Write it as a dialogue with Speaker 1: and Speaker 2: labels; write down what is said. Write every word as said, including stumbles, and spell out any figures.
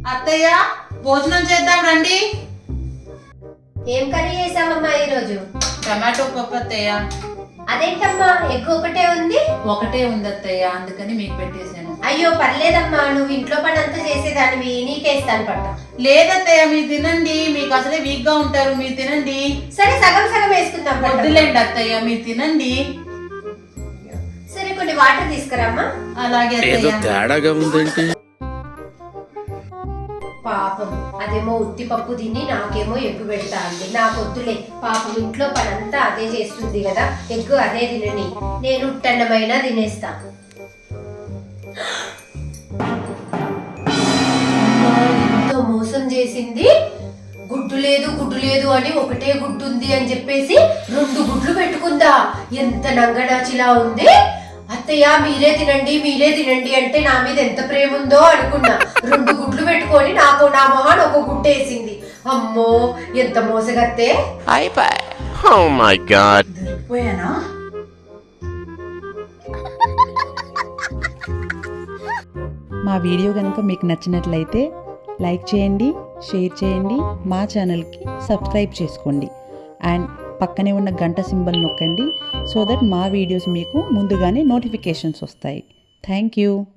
Speaker 1: అత్తయ్య భోజనం చేద్దాం రండి.
Speaker 2: ఏం కర్రీ చేసావమ్మా ఈరోజు?
Speaker 1: టమాటో పప్పు అత్తయ్య.
Speaker 2: అదేంటమ్మా ఎగ్ ఒకటే ఉంది?
Speaker 1: ఒకటే ఉంది అత్తయ్య, అందుకని మీకు పెట్టేశాను.
Speaker 2: అయ్యో పర్లేదమ్మా, నువ్వు ఇంట్లో పని అంతా చేసేదానివి, నీకేస్తాను పట్ట.
Speaker 1: లేదత్తయ్య మీరు తినండి, మీకు అసలే వీక్ గా ఉంటారు, మీరు తినండి.
Speaker 2: సరే సగం సగం వేసుకుందాం.
Speaker 1: వద్దులేండి అత్తయ్య మీరు తినండి.
Speaker 2: సరే కొన్ని వాటర్ తీసుకురామ్మా.
Speaker 1: అలాగే అత్తయ్య.
Speaker 2: పాపం అదేమో ఉత్తి పప్పు తిని నాకేమో ఎగ్గు పెడతా అండి. నాకు వద్దులే, పాపం ఇంట్లో పని అంతా అదే చేస్తుంది కదా, ఎగ్గు అదే తినని, నేను ఉట్టన్నమైనా తినేస్తా. ఎంతో మోసం చేసింది. గుడ్డు లేదు గుడ్డు లేదు అని ఒకటే గుడ్డు ఉంది అని చెప్పేసి రెండు గుడ్లు పెట్టుకుందా. ఎంత నంగనాచిలా ఉంది. అత్తయ్య మీరే తినండి మీరే తినండి అంటే నా మీద ఎంత ప్రేమ ఉందో అనుకున్నా. రెండు గుడ్లు పెట్టుకొని నాకు నా మొహాన్ ఒక గుడ్డు వేసింది. అమ్మో ఎంత మోసగత్తే.
Speaker 1: దొరికిపోయానా?
Speaker 3: మా వీడియో కనుక మీకు నచ్చినట్లయితే లైక్ చేయండి, షేర్ చేయండి, మా ఛానల్కి సబ్స్క్రైబ్ చేసుకోండి అండ్ పక్కనే ఉన్న గంట సింబల్ నొక్కండి సో దట్ మా వీడియోస్ మీకు ముందుగానే నోటిఫికేషన్స్ వస్తాయి. Thank you.